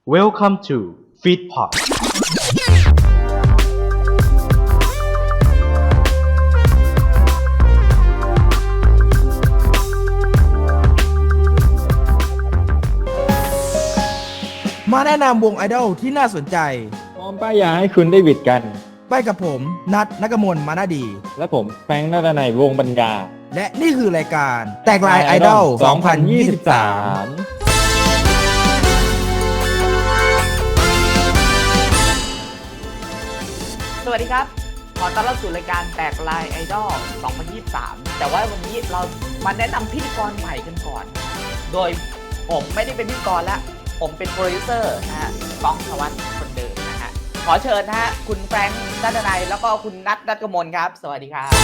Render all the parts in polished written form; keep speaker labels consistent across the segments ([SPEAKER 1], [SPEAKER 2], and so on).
[SPEAKER 1] Welcome to Feedpot
[SPEAKER 2] มาแนะนำวงไอดอลที่น่าสนใจ
[SPEAKER 3] พร้อมป้ายยาให้คุณได้หวิดกัน
[SPEAKER 2] ไปกับผมนัทนักมลมานาดี
[SPEAKER 3] และผมแฟรงค์นาฏนัยวงศ์ปัญญา
[SPEAKER 2] และนี่คือรายการแตกลายไอดอล 2023
[SPEAKER 4] สวัสดีครับ ขอต้อนรับสู่รายการแตกลายไอดอล 2023 แต่ว่าวันนี้เรามาแนะนำพิธีกรใหม่กันก่อน โดยผมไม่ได้เป็นพิธีกรแล้ว ผมเป็นโปรดิวเซอร์นะฮะก้องธวัฒน์คนเดิมนะฮะ ขอเชิญนะฮะคุณแฟรงค์นัทนัยแล้วก็คุณนัทนัทกมลครับ สวัสดีครับ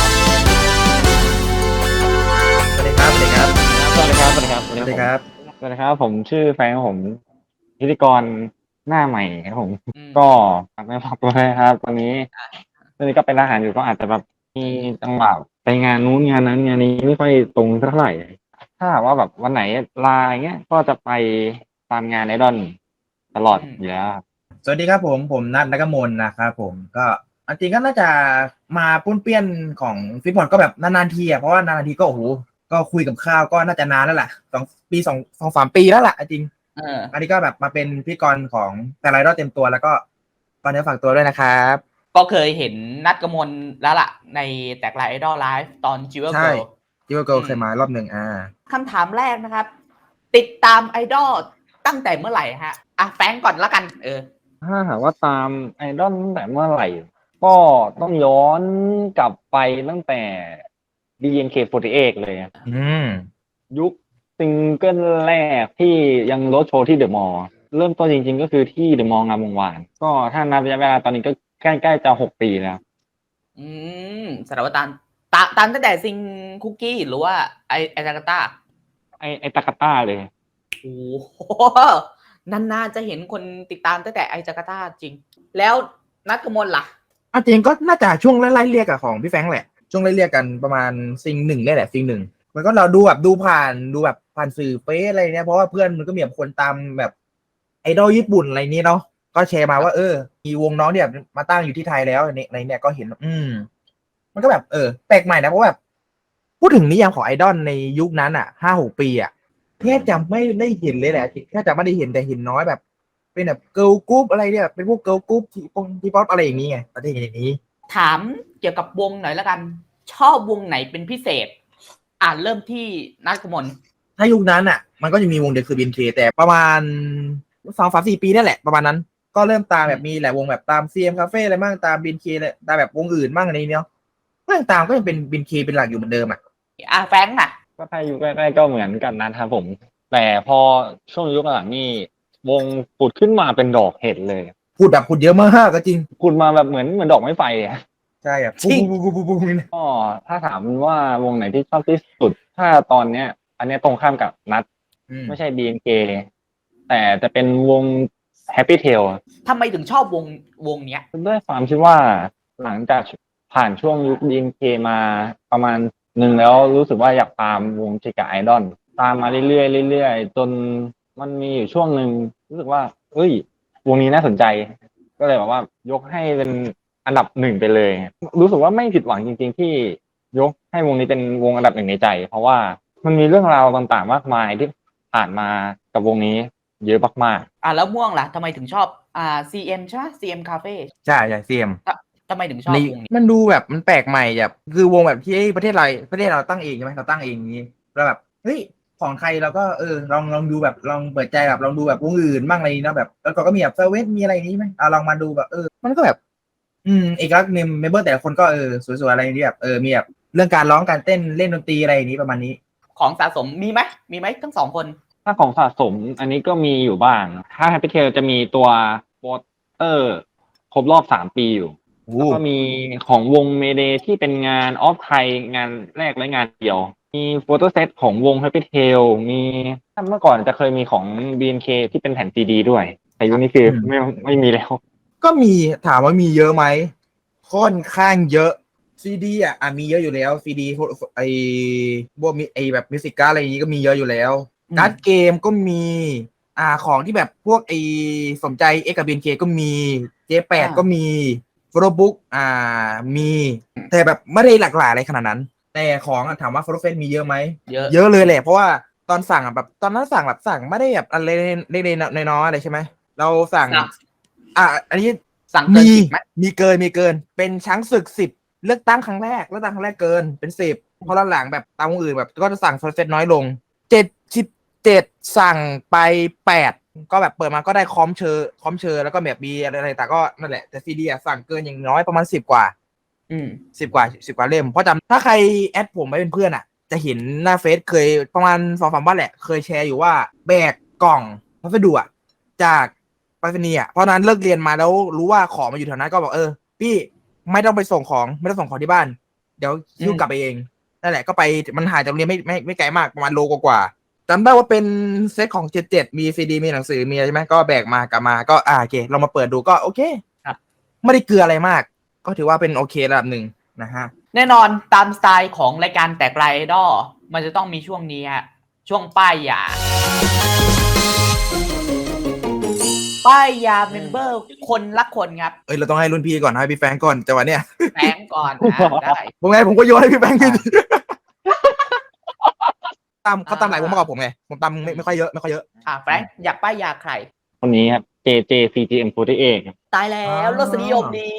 [SPEAKER 2] สวัสดีครับ สวัสดีครับ
[SPEAKER 3] สวัสดีครับ สวัสดีครับ
[SPEAKER 2] สวัสดีครับ
[SPEAKER 3] สวัสดีครับ ผมชื่อแฟรงค์ผมพิธีกรหน้าใหม่ครับผม
[SPEAKER 4] อืม
[SPEAKER 3] ก็ฝากเนื้อฝากตัวเลยครับ ตอนนี้ก็เป็นทหารอยู่ก็อาจจะแบบมีจังหวะไปงานนู้นงานนั้นงานนี้ไม่ค่อยตรงเท่าไหร่ ถ้าหากว่าแบบวันไหนลาอย่างเงี้ย ก็จะไปตามงานไอดอลตลอดอยู่แล้วครับ
[SPEAKER 2] สวัสดีครับผมนัทนักมลนะครับผมก็จริงก็น่าจะมาปุ้นเปี้ยนของฟิตบอลก็แบบนานๆทีอ่ะเพราะว่านานๆทีก็โอ้โหก็คุยกับข้าวก็น่าจะนานแล้วแหละ2-3 ปีแล้วล่ะจริงอันนี้ก็แบบมาเป็นพิธีกรของแต่ไอดอลเต็มตัวแล้วก็ตอนนี้ฝากตัวด้วยนะครับ
[SPEAKER 4] ก็เคยเห็นนัทกมลแล้วล่ะ ในแตกลายไอดอลไลฟ์ตอนจิวเวล
[SPEAKER 2] ใช่
[SPEAKER 4] เกิล
[SPEAKER 2] จิวเกิลเคยมารอบหนึ่ง
[SPEAKER 4] คำถามแรกนะครับ ติดตามไอดอลตั้งแต่เมื่อไหร่ฮะแฟรงก์ก่อนละกัน
[SPEAKER 3] ถ้าหากว่าตามไอดอลตั้งแต่เมื่อไหร่ ก็ต้องย้อนกลับไปตั้งแต่ BNK48 เลยอะ ยุคซิงเกิลแรกที่ยังรถโชว์ที่เดอะมอลล์เริ่มต้นจริงๆก็คือที่เดอะมอลล์งามวงวาน ก็ถ้านับระยะเวลาตอนนี้ก็ใกล้ๆจะ6 ปีแล้ว
[SPEAKER 4] สารวัตรตามตั้งแต่ซิงคุกกี้หรือว่าไอจาการ์ตา
[SPEAKER 3] ไอตากาต้าเลย
[SPEAKER 4] โอ้โหนานๆจะเห็นคนติดตามตั้งแต่ไอจาการ์ตาจริง แล้วนัทกมลล่ะ
[SPEAKER 2] จริงก็น่าจะช่วงไล่เรียกกับของพี่แฟรงค์แหละช่วงไล่เรียกกันประมาณซิงหนึ่งนี่แหละซิงหนึ่งมันก็เราดูแบบดูผ่านสื่อเฟซอะไรเนี่ยเพราะว่าเพื่อนมันก็มีแบบคนตามแบบไอดอลญี่ปุ่นอะไรนี้เนาะก็แชร์มาว่ามีวงน้องเนี่ยมาตั้งอยู่ที่ไทยแล้วในเนี่ยก็เห็นมันก็แบบแปลกใหม่นะเพราะแบบพูดถึงนิยามของไอดอลในยุคนั้น5-6 ปีแทบจะไม่ได้เห็นเลยแหละแทบจะไม่ได้เห็นแต่เห็นน้อยแบบเป็นแบบเกิร์ลกรุ๊ปอะไรเนี่ยเป็นพวกเกิร์ลกรุ๊ปทีป๊อปอะไรอย่างนี้ไงประเทศอย่างนี้
[SPEAKER 4] ถามเกี่ยวกับวงหน่อยละกัน ชอบวงไหนเป็นพิเศษ เริ่มที่นัทกมล
[SPEAKER 2] ถ้ายุคนั้นมันก็จะมีวงเดียวคือ BNK แต่ประมาณ2-3-4 ปีนั่นแหละประมาณนั้นก็เริ่มตามแบบมีหลายวงแบบตาม CM Cafe อะไรบ้างตาม BNK เลยตามแบบวงอื่นบ้างอะไรเนาะก็ยังตามก็ยังเป็น BNK เป็นหลักอยู่เหมือนเดิม
[SPEAKER 4] แฟรงก์น่ะ
[SPEAKER 3] ก็ถ้ายุคแรกๆก็เหมือนกันนะครับผม แต่พอช่วงยุคหลังนี่วงผุดขึ้นมาเป็นดอกเห็ดเลย
[SPEAKER 2] พูดเยอะมากก็จริง
[SPEAKER 3] ผุดมาแบบเหมือนดอกไม้ไฟอะ
[SPEAKER 2] ใช่
[SPEAKER 4] จริง
[SPEAKER 2] ปุ๊บนี่นะ
[SPEAKER 3] ก็ถ้าถามว่าวงไหนที่ชอบที่สุด ถ้าตอนเนี้ย อันเนี้ยตรงข้ามกับนัดไม่ใช่ BNK แต่จะเป็นวง Happy Tail
[SPEAKER 4] ทำไมถึงชอบวงเนี้ย
[SPEAKER 3] ด้วยความที่ว่าหลังจากผ่านช่วงยุค BNK มาประมาณหนึ่งแล้วรู้สึกว่าอยากตามวงชิกาไอดอลตามมาเรื่อยๆเรื่อยๆจนมันมีอยู่ช่วงหนึ่งรู้สึกว่าเอ้ยวงนี้น่าสนใจ ก็เลยแบบว่ายกให้เป็นอันดับหนึ่งไปเลย รู้สึกว่าไม่ผิดหวังจริงๆที่ยกให้วงนี้เป็นวงอันดับหนึ่งในใจ เพราะว่ามันมีเรื่องราวต่างๆมากมายที่ผ่านมากับวงนี้เยอะมากๆ
[SPEAKER 4] แล้วม่วงล่ะทำไมถึงชอบCM ใช่ไหม CM Cafe
[SPEAKER 2] ใช่CM
[SPEAKER 4] ทำไมถึงชอบวงนี้
[SPEAKER 2] มันดูแบบมันแปลกใหม่แบบคือวงแบบที่ประเทศเราตั้งเองใช่ไหมเราตั้งเองนี้แล้วแบบเฮ้ยของไทยเราก็ลองดูแบบลองเปิดใจแบบลองดูแบบวงอื่นบ้างอะไรนี้เนาะแบบแล้วก็มีแบบเซเว่นมีอะไรนี้ไหมลองมาดูแบบมันก็แบบเอกลักษณ์เมมเบอร์แต่ละคนก็สวยๆอะไรนี้แบบมีแบบเรื่องการร้องการเต้นเล่นดนตรีอะไรอย่างนี้ประมาณนี้
[SPEAKER 4] ของสะสมมีไหมทั้งสองคน
[SPEAKER 3] ถ้าของสะสมอันนี้ก็มีอยู่บ้าง ถ้า Happy Tail จะมีตัวโปสเตอร์ครบรอบ3 ปีอยู่ แล้วก็มีของวงเมเดที่เป็นงานออฟไทยงานแรกและงานเดียว มีโฟโต้เซตของวง Happy Tail มีเมื่อก่อนจะเคยมีของ BNK ที่เป็นแผ่นซีดีด้วย แต่ยุคนี้คือไม่มีแล้ว
[SPEAKER 2] ก็มีถามว่ามีเยอะไหมค่อนข้างเยอะซีดีมีเยอะอยู่แล้วซีดีไอพวกมีไอแบบมิวสิกการ์ดอะไรอย่างนี้ก็มีเยอะอยู่แล้วการ์ดเกมก็มีของที่แบบพวกสมใจ X กับ BNK ก็มี J8 ก็มีโฟโต้บุ๊กมีแต่แบบไม่ได้หลากหลายอะไรขนาดนั้น แต่ของถามว่าโฟโต้เฟสมีเยอะไหม
[SPEAKER 4] เยอะ
[SPEAKER 2] เยอะเลยแหละเพราะว่าตอนสั่งแบบตอนนั้นสั่งไม่ได้แบบอะไรเล็กๆน้อยๆอะไรใช่ไหมเราสั่งอันนี้
[SPEAKER 4] สั่งเกิน
[SPEAKER 2] มี
[SPEAKER 4] 10ไหม
[SPEAKER 2] มีเกินเป็นช้างศึก10เลือกตั้งครั้งแรกเกินเป็น10พอหลังแบบตามวงอื่นแบบก็จะสั่งโฟโต้เฟสน้อยลง77สั่งไป8ก็แบบเปิดมาก็ได้คอมเชอร์แล้วก็แบบมีอะไรแต่ก็นั่นแหละแต่ซีดีสั่งเกินอย่างน้อยประมาณ10 กว่า10 กว่าเล่มเพราะจำถ้าใครแอดผมไว้เป็นเพื่อนจะเห็นหน้าเฟซเคยประมาณ2-3 วันแหละเคยแชร์อยู่ว่าแบกกล่องพัสดุจากไปรษณีย์เพราะนั้นเลิกเรียนมาแล้วรู้ว่าของมาอยู่แถวนั้นก็บอกพี่ไม่ต้องไปส่งของที่บ้านเดี๋ยวหิ้วกลับไปเองนั่นแหละก็ไปมันห่างจากโรงเรียนไม่ไกลมากประมาณโลกว่าจำได้ว่าเป็นเซตของ77มีซีดีมีหนังสือมีอะไรใช่ไหมก็แบกมากลับมาก็โอเคเรามาเปิดดูก็โอเคไม่ได้เกลืออะไรมากก็ถือว่าเป็นโอเคระดับหนึ่งนะฮะ
[SPEAKER 4] แน่นอนตามสไตล์ของรายการแตกลายไอดอลมันจะต้องมีช่วงนี้ฮะช่วงป้ายยาเมมเบอร์คนละคนครับ
[SPEAKER 2] เราต้องให้รุ่นพี่ก่อนให้พี่แฟงก่อนจังหวะเนี้ย
[SPEAKER 4] แฟงก่อนได้
[SPEAKER 2] ผมก็โยนให้พี่แฟงขึ้นเขาตามหลายวงมากกว่าผมไงผมตามไม่ค่อยเยอะ
[SPEAKER 4] แฟงอยากป้ายยาใคร
[SPEAKER 3] คนนี้ครับ CGM48
[SPEAKER 4] ตายแล้วรสนิยมดี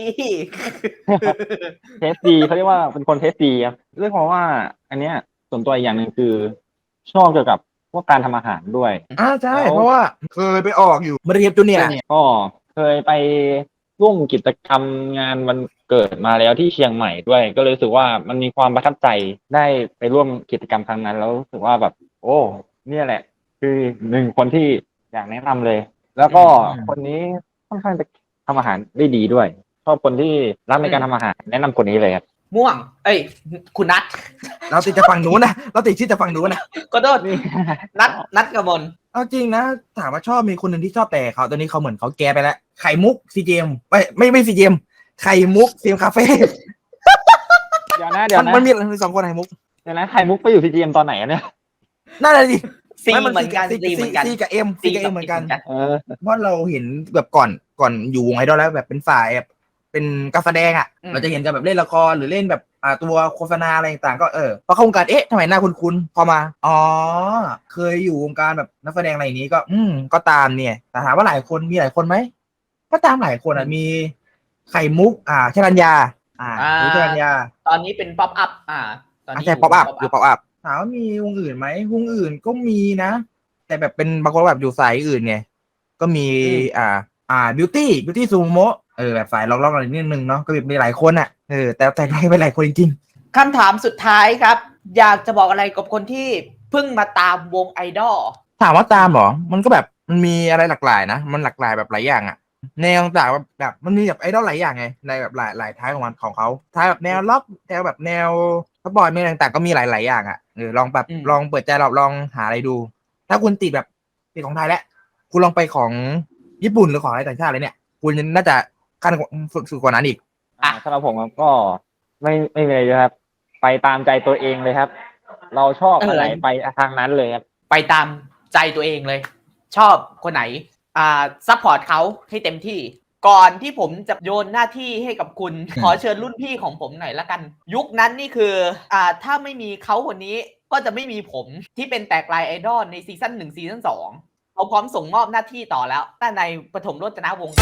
[SPEAKER 3] เทสดีเขาเรียกว่าเป็นคนเทสดีครับเรื่องของว่าอันเนี้ยส่วนตัวอย่างหนึ่งคือชอบเกี่ยวกับพวกการทำอาหารด้วย
[SPEAKER 2] ใช่เพราะว่าเคยไปออกอยู่มาเรียบจูเนียร์
[SPEAKER 3] ก็เคยไปร่วมกิจกรรมงานวันเกิดมาแล้วที่เชียงใหม่ด้วยก็เลยรู้สึกว่ามันมีความประทับใจได้ไปร่วมกิจกรรมครั้งนั้นแล้วรู้สึกว่าแบบโอ้เนี่ยแหละคือหนึ่งคนที่อยากแนะนำเลยแล้วก็คนนี้ค่อนข้างจะทำอาหารได้ดีด้วยชอบคนที่รักในการทำอาหารแนะนำคนนี้เลยครับ
[SPEAKER 4] ม่วงคุณนัท
[SPEAKER 2] เราติดจะฟังหนูนะเราติดชื่อจะฟังหนูนะ
[SPEAKER 4] ก็โดดนัทกมล
[SPEAKER 2] เอาจริงนะถามว่าชอบมีคนหนึ่งที่ชอบแต่เขาตอนนี้เขาเหมือนเขาแก้ไปแล้วไข่มุกซีเจมไม่ซีเจมไข่มุกซีเจมคาเฟ่
[SPEAKER 3] เดี๋ยวนะ
[SPEAKER 2] มันมี2 คนไข่มุก
[SPEAKER 3] เดี๋ยวนะไข่มุกไปอยู่ซีเจมตอนไหนเนี่ย
[SPEAKER 2] นั่นแหละดิ
[SPEAKER 4] ซีเหมือนกัน
[SPEAKER 2] ซีกับเอ็มเหมือนกันเพราะเราเห็นแบบก่อนอยู่วงไอดอลแล้วแบบเป็นฝ่ายเป็นการแสดงเราจะเห็นกันแบบเล่นละครหรือเล่นแบบตัวโฆษณาอะไรต่างๆก็พอเข้าวงการทำไมหน้าคุ้นพอมาเคยอยู่วงการแบบนักแสดงอะไรอย่างนี้ก็ก็ตามเนี่ยแต่ถามว่าหลายคนมีหลายคนไหมก็ตามหลายคนมีไข่มุกชรัญญาชรัญญา
[SPEAKER 4] ตอนนี้เป็นป๊อปอัพ
[SPEAKER 2] ตอนนี้ใช่ป๊อปอัพอยู่ป๊อปอัพถามว่ามีวงอื่นไหมวงอื่นก็มีนะแต่แบบเป็นบางคนแบบอยู่สายอื่นไงก็มีบิวตี้ซูโมะแบบสายล็อกๆอะไรนิดนึงเนาะก็มีหลายคนแต่ได้ไปหลายคนจริง
[SPEAKER 4] ๆคำถามสุดท้ายครับอยากจะบอกอะไรกับคนที่เพิ่งมาตามวงไอดอล
[SPEAKER 2] ถามว่าตามเหรอมันก็แบบมันมีอะไรหลากหลายนะมันหลากหลายแบบหลายอย่างแนวต่างแบบมันมีแบบไอดอลหลายอย่างไงในแบบหลายท้ายของเขาท้ายแบบแนวล็อกแนวแบบแนวสปอร์ตมีต่างๆก็มีหลายอย่างลองแบบลองเปิดใจลองหาอะไรดูถ้าคุณติดแบบติดของไทยแล้วคุณลองไปของญี่ปุ่นหรือของอะไรต่างชาติเลยเนี่ยคุณน่าจะขั้นสุดกว่านั้นอีก
[SPEAKER 3] สำหรับผมก็ไม่เลยครับไปตามใจตัวเองเลยครับเราชอบอะไรไปทางนั้นเลยครับ
[SPEAKER 4] ไปตามใจตัวเองเลยชอบคนไหนซัพพอร์ตเขาให้เต็มที่ก่อนที่ผมจะโยนหน้าที่ให้กับคุณขอเชิญรุ่นพี่ของผมหน่อยละกันยุคนั้นนี่คือถ้าไม่มีเขาคนนี้ก็จะไม่มีผมที่เป็นแตกลายไอดอลในซีซั่น1ซีซั่น2เขาพร้อมส่งมอบหน้าที่ต่อแล้วแต่ในปฐมโรจนวงศ์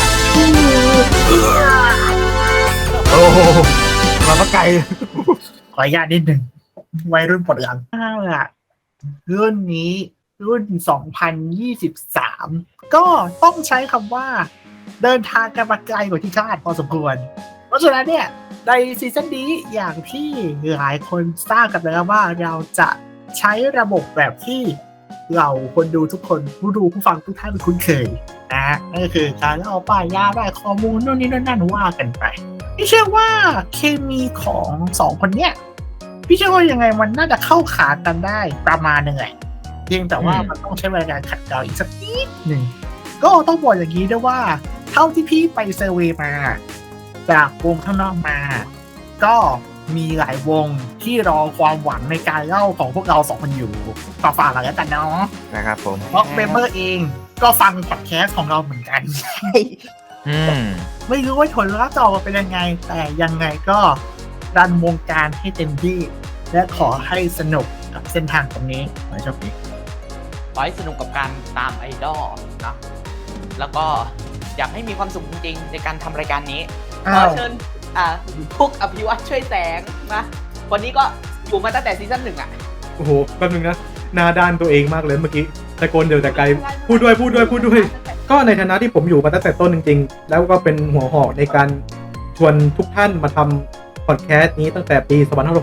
[SPEAKER 2] โอ้มาไกล
[SPEAKER 5] ขออนุญาตนิดหนึ่งวัยรุ่นปลดหลังรุ่นนี้รุ่น2023ก็ต้องใช้คำว่าเดินทางกันมาไกลกว่าที่คาดพอสมควรเพราะฉะนั้นเนี่ยในซีซั่นนี้อย่างที่หลายคนทราบกันแล้วว่าเราจะใช้ระบบแบบที่เราคนดูทุกคนผู้ฟังทุกท่านคุ้นเคยนั่นก็คือการเอาป้ายยาได้ข้อมูลนู่นนี่นั่นว่ากันไปพี่เชื่อว่าเคมีของ2คนเนี้ยพี่เชื่อว่ายังไงมันน่าจะเข้าขากันได้ประมาณนึงแหละเพียงแต่ว่ามันต้องใช้เวลาการขัดเกลาอีกสักนิดหนึ่งก็ต้องบอกอย่างนี้ด้วยว่าเท่าที่พี่ไปเซอร์เวย์มาจากวงข้างนอกมาก็มีหลายวงที่รอความหวังในการเล่าของพวกเรา2คนอยู่ฝากๆแล้วกันเนาะ
[SPEAKER 2] นะครับผม
[SPEAKER 5] เพราะเมมเบอร์เองก็ฟังพอดแคสต์ของเราเหมือนกัน
[SPEAKER 2] อืม
[SPEAKER 5] ไม่รู้ว่าผลลัพธ์จะออกมาเป็นยังไง แต่ยังไงก็รันวงการให้เต็มที่ และขอให้สนุกกับเส้นทางตรงนี้ขอให้โชคดี
[SPEAKER 4] ขอให้สนุกกับการตามไอดอลนะแล้วก็อยากให้มีความสุขจริงๆในการทำรายการนี้ขอเชิญพุกอภิวัตช่วยแสงนะวันนี้ก็อยู่มาตั้งแต่ซีซั่น1อ่ะ
[SPEAKER 6] โอ้โหแป๊บนึงนะหน้าด้านตัวเองมากเลยเมื่อกี้ตะโกนเดี๋ยวแต่ไกลพูดด้วยก็ในฐานะที่ผมอยู่มาตั้งแต่ต้นจริงๆแล้วก็เป็นหัวหอกในการชวนทุกท่านมาทำพอดแคสต์นี้ตั้งแต่ปี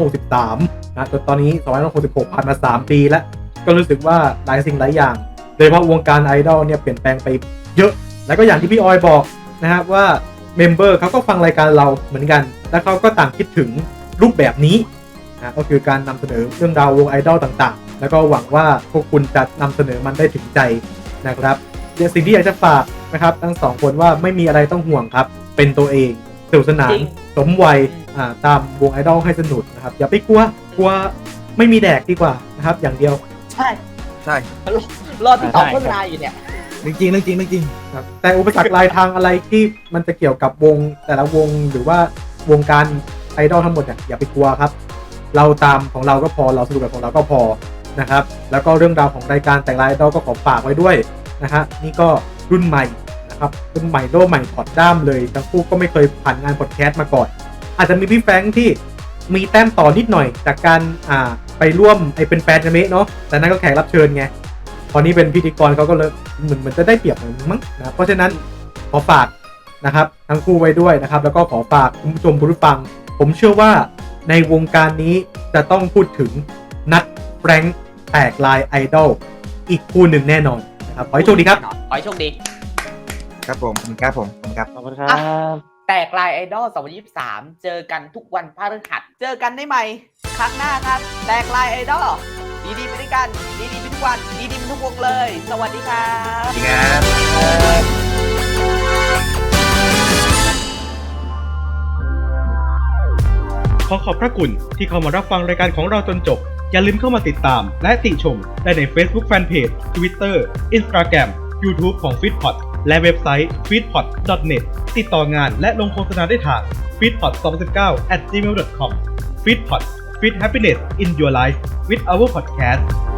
[SPEAKER 6] 2563 นะจนตอนนี้ 2566 ผ่านมา 3 ปีแล้วก็รู้สึกว่าหลายสิ่งหลายอย่างโดยเฉพาะวงการไอดอลเนี่ยเปลี่ยนแปลงไปเยอะแล้วก็อย่างที่พี่ออยบอกนะครับว่าเมมเบอร์เขาก็ฟังรายการเราเหมือนกันและเขาก็ต่างคิดถึงรูปแบบนี้นะก็คือการนำเสนอเรื่องราววงไอดอลต่างๆแล้วก็หวังว่าพวกคุณจะนำเสนอมันได้ถึงใจนะครับสิ่งที่อยากจะฝากนะครับทั้งสองคนว่าไม่มีอะไรต้องห่วงครับเป็นตัวเองสนุกสนานสมวัยตามวงไอดอลให้สนุกนะครับอย่าไปกลัวไม่มีแดกดีกว่านะครับอย่างเดียว
[SPEAKER 4] ใช่
[SPEAKER 2] ใช่
[SPEAKER 4] รอที่ต่อโฆษณาอยู่เนี่ย
[SPEAKER 2] จริงเรื่องจริง
[SPEAKER 6] ครับแต่อุปสรรครายทางอะไรที่มันจะเกี่ยวกับวงแต่ละวงหรือว่าวงการไอดอลทั้งหมดเนี่ยอย่าไปกลัวครับเราตามของเราก็พอเราสนุกแบบของเราก็พอนะครับแล้วก็เรื่องราวของรายการแต่งไอดอลก็ขอฝากไว้ด้วยนะฮะนี่ก็รุ่นใหม่นะครับรุ่นใหม่โลใหม่ถอดด้ามเลยทั้งคู่ก็ไม่เคยผ่านงานพอดแคสต์มาก่อนอาจจะมีพี่แฟรงค์ที่มีแต้มต่อนิดหน่อยจากการไปร่วมเป็นแฟนกันเมะเนาะแต่นั่นก็แขกรับเชิญไงตอนนี้เป็นพิธีกรเขาก็เลยเหมือนจะได้เปรียบมั้งนะเพราะฉะนั้นขอฝากนะครับทั้งคู่ไว้ด้วยนะครับแล้วก็ขอฝากคุณผู้ชมผู้ฟังผมเชื่อว่าในวงการนี้จะต้องพูดถึงนัดแฟรงค์แตกลายไอดอลอีกคู่หนึ่งแน่นอนนะครับขอให้โชคดีครับ
[SPEAKER 4] ขอให้โชคดี
[SPEAKER 2] ๆครับผมครับ
[SPEAKER 3] ขอบคุณครับ
[SPEAKER 4] แตกลายไอดอล 2023 เจอกันทุกวันพฤหัสเจอกันได้ใหม่ครั้งหน้าครับ แตกลายไอดอลดีๆไปด้วยกันดีๆไปทุกวันดีๆไปทุกวงเลย สวัสดีครับ
[SPEAKER 2] สวัสดีครับ
[SPEAKER 1] ขอขอบพระคุณที่เข้ามารับฟังรายการของเราจนจบอย่าลืมเข้ามาติดตามและติชมได้ใน Facebook Fanpage Twitter Instagram YouTube ของ Feedpot และเว็บไซต์ feedpot.net ติดต่องานและลงโฆษณาได้ทาง feedpot2019@gmail.com Feedpot Feed Happiness in Your Life with our podcast